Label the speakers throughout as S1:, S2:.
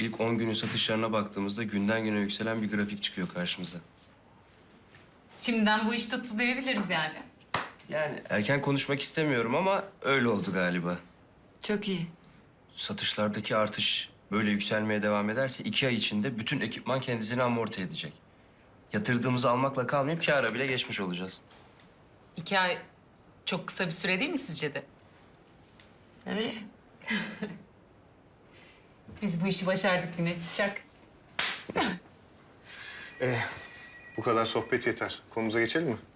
S1: İlk 10 günün satışlarına baktığımızda günden güne yükselen bir grafik çıkıyor karşımıza.
S2: Şimdiden bu iş tuttu diyebiliriz yani.
S1: Yani erken konuşmak istemiyorum ama öyle oldu galiba.
S3: Çok iyi.
S1: Satışlardaki artış böyle yükselmeye devam ederse 2 ay içinde bütün ekipman kendisini amorti edecek. Yatırdığımızı almakla kalmayıp kâra bile geçmiş olacağız.
S2: 2 ay çok kısa bir süre değil mi sizce de?
S3: Öyle.
S2: Biz bu işi başardık yine. Çak.
S4: Bu kadar sohbet yeter. Konumuza geçelim mi?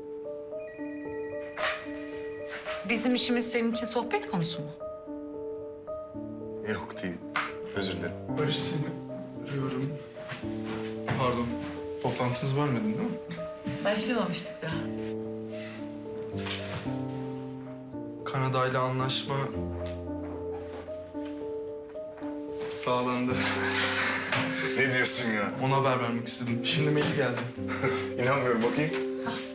S2: Bizim işimiz senin için sohbet konusu mu?
S4: Yok değil. Özür dilerim.
S5: Barış seni arıyorum. Pardon. Toplantınız varmadın değil mi?
S3: Başlamamıştık daha.
S5: Kanada ile anlaşma sağlandı.
S4: Ne diyorsun ya?
S5: Ona haber vermek istedim. Şimdi mail geldi.
S4: İnanmıyorum, bakayım.
S2: Bastım.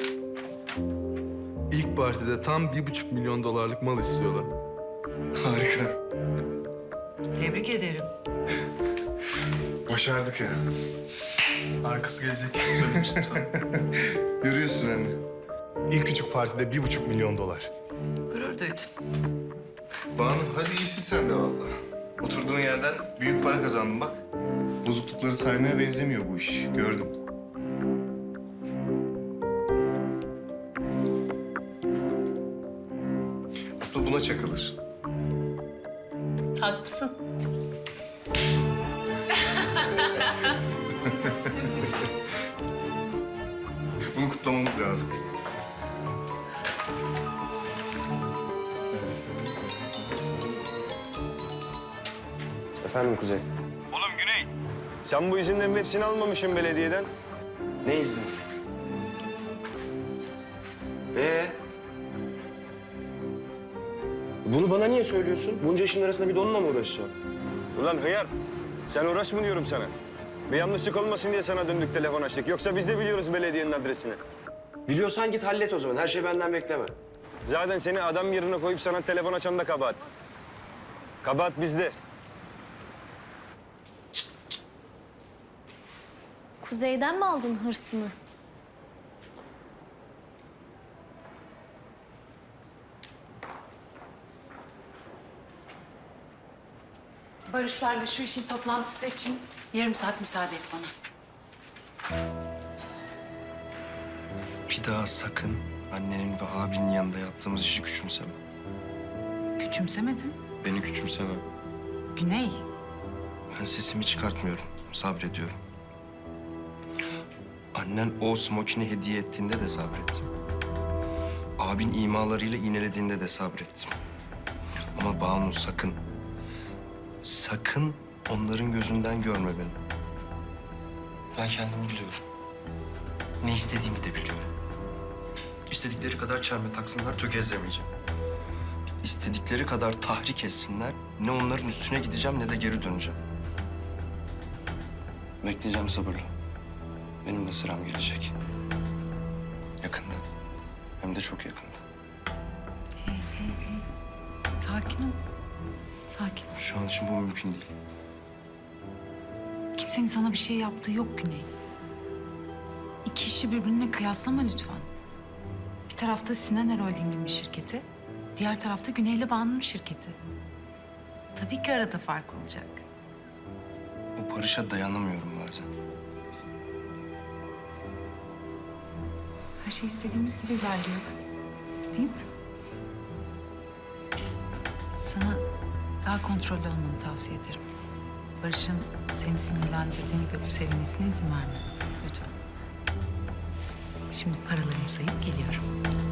S5: İlk partide tam 1,5 milyon dolarlık mal istiyorlar.
S4: Harika.
S3: Tebrik ederim.
S4: Başardık ya.
S5: Arkası gelecek. Söylemiştim sana.
S4: Görüyorsun anne. İlk küçük partide 1,5 milyon dolar.
S3: Gurur duydum.
S4: Banu, hadi iyisin sen de vallahi. Oturduğun yerden büyük para kazandın bak. Bozuklukları saymaya benzemiyor bu iş. Gördüm. Asıl buna çakılır.
S2: Haklısın.
S4: Bunu kutlamamız lazım.
S1: Efendim Kuzey?
S6: Oğlum Güney. Sen bu izinlerin hepsini almamışsın belediyeden.
S1: Ne izni? Bunu bana niye söylüyorsun? Bunca işin arasında bir de onunla mı uğraşacağım?
S6: Ulan hıyar. Sen uğraşma diyorum sana. Bir yanlışlık olmasın diye sana döndük telefon açtık. Yoksa biz de biliyoruz belediyenin adresini.
S1: Biliyorsan git hallet o zaman. Her şey benden bekleme.
S6: Zaten seni adam yerine koyup sana telefon açan da kabahat. Kabahat bizde.
S7: Kuzey'den mi aldın hırsını?
S2: Barışlarla şu işin toplantısı için yarım saat müsaade et bana.
S1: Bir daha sakın annenin ve abinin yanında yaptığımız işi küçümseme.
S2: Küçümsemedim.
S1: Beni küçümseme.
S2: Güney.
S1: Ben sesimi çıkartmıyorum. Sabrediyorum. Annen o smokini hediye ettiğinde de sabrettim. Abin imalarıyla iğnelediğinde de sabrettim. Ama Banu sakın, sakın onların gözünden görme beni. Ben kendimi biliyorum. Ne istediğimi de biliyorum. İstedikleri kadar çelme taksınlar, tökezlemeyeceğim. İstedikleri kadar tahrik etsinler, ne onların üstüne gideceğim ne de geri döneceğim. Bekleyeceğim sabırla. Benim de sıram gelecek. Yakında. Hem de çok yakında.
S2: Sakin ol. Sakin ol.
S1: Şu an için bu mümkün değil.
S2: Kimsenin sana bir şey yaptığı yok Güney. İki işi birbirine kıyaslama lütfen. Bir tarafta Sinan Holding'in bir şirketi, diğer tarafta Güney'le Banu'nun şirketi. Tabii ki arada fark olacak.
S1: Bu barışa dayanamıyorum bazen.
S2: Her şey istediğimiz gibi ilerliyor. Değil mi? Sana daha kontrollü olmanı tavsiye ederim. Barış'ın seni sinirlendirdiğini görüp sevinmesine izin verme. Lütfen. Şimdi paralarımı sayıp geliyorum.